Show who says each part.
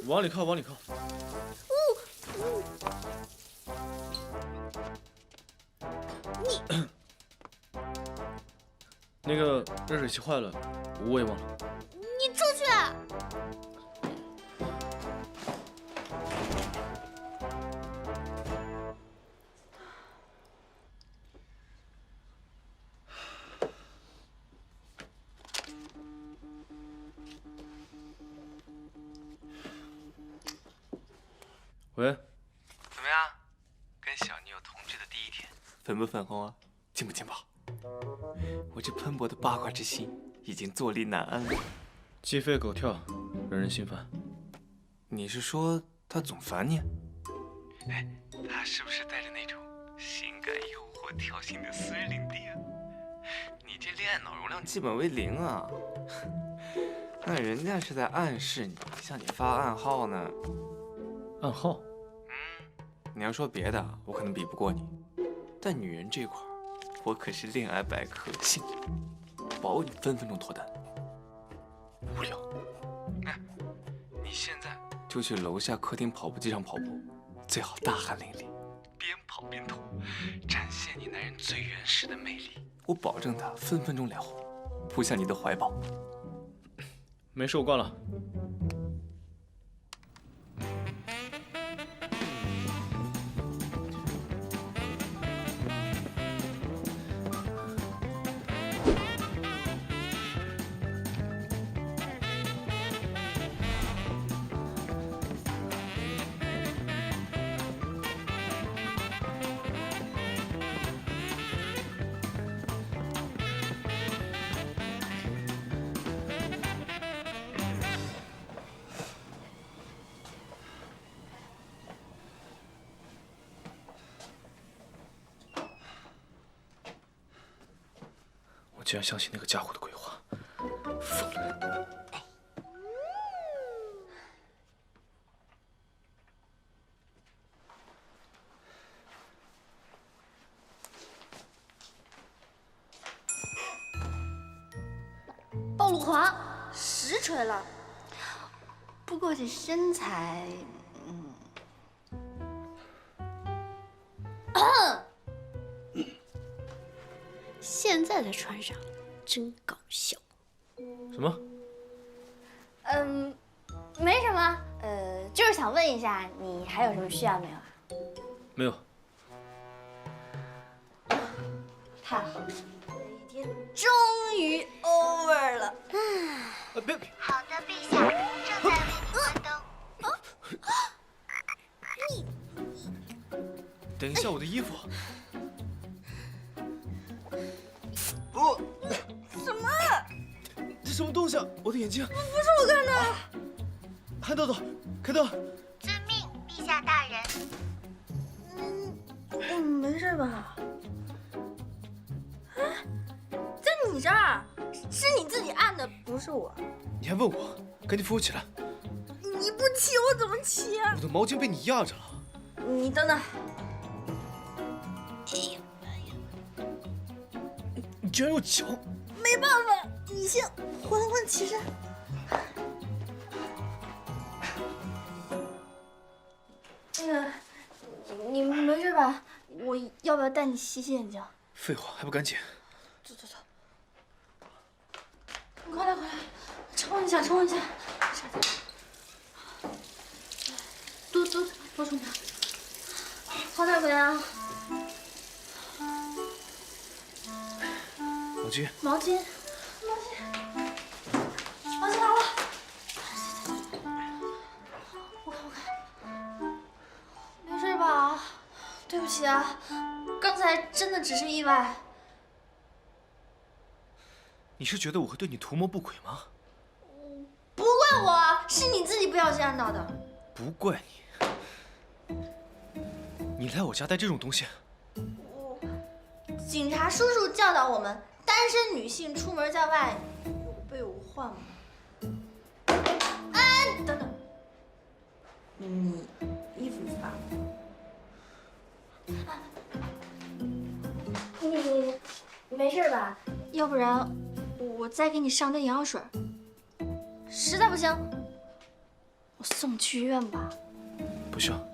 Speaker 1: 往里靠，往里靠。
Speaker 2: 你
Speaker 1: 那个热水器坏了，我也忘了。
Speaker 2: 你出去！
Speaker 1: 喂，
Speaker 3: 怎么样？跟小女友同居的第一天，粉不粉红啊？劲不劲爆？我这喷薄的八卦之心已经坐立难安了。
Speaker 1: 鸡飞狗跳，惹人心烦。
Speaker 3: 你是说他总烦你？哎，他是不是带着那种性感诱惑挑衅的私人领地啊？你这恋爱脑容量基本为0啊！那人家是在暗示你，向你发暗号呢。
Speaker 1: 暗号？
Speaker 3: 你要说别的，我可能比不过你，但女人这块，我可是恋爱百科，信保你分分钟脱单。
Speaker 1: 无聊。
Speaker 3: 哎，你现在就去楼下客厅跑步机上跑步，最好大汗淋漓，边跑边吐，展现你男人最原始的魅力。我保证他分分钟脸红，扑向你的怀抱。
Speaker 1: 没事，我挂了。我居然相信那个家伙的鬼话，疯了！
Speaker 2: 暴露狂，实锤了。不过这身材，现在才穿上，真搞笑。
Speaker 1: 什么？
Speaker 2: 没什么，就是想问一下，你还有什么需要没有啊？
Speaker 1: 没有。
Speaker 2: 太好了，这一天终于 over 了。
Speaker 1: 别！
Speaker 4: 好的，陛下，正在为你关灯。
Speaker 1: 等一下，我的衣服。
Speaker 3: 不，
Speaker 2: 什么？
Speaker 1: 这什么东西啊？我的眼睛！
Speaker 2: 不是我干的。
Speaker 1: 韩豆豆，开灯！
Speaker 4: 遵命，陛下大人。
Speaker 2: 没事吧？哎，在你这儿，是你自己按的，不是我。
Speaker 1: 你还问我？赶紧扶我起来！
Speaker 2: 你不骑我怎么骑啊？
Speaker 1: 我的毛巾被你压着了。
Speaker 2: 你等等。
Speaker 1: 你居然用脚！
Speaker 2: 没办法，你先缓缓起身。那个，你没事吧？我要不要带你洗洗眼睛？
Speaker 1: 废话，还不赶紧！
Speaker 2: 走走走，快来快来，冲一下冲一下，多冲点，好点没啊？
Speaker 1: 毛巾，
Speaker 2: 毛巾来了。我看，没事吧？对不起啊，刚才真的只是意外。
Speaker 1: 你是觉得我会对你图谋不轨吗？
Speaker 2: 不怪我，是你自己不小心按到的。
Speaker 1: 不怪你。你来我家带这种东西？
Speaker 2: 警察叔叔教导我们，单身女性出门在外有备无患嘛。哎，等等，你衣服发了。你没事吧？要不然我再给你上点眼药水。实在不行，我我送你去医院吧。
Speaker 1: 不需要。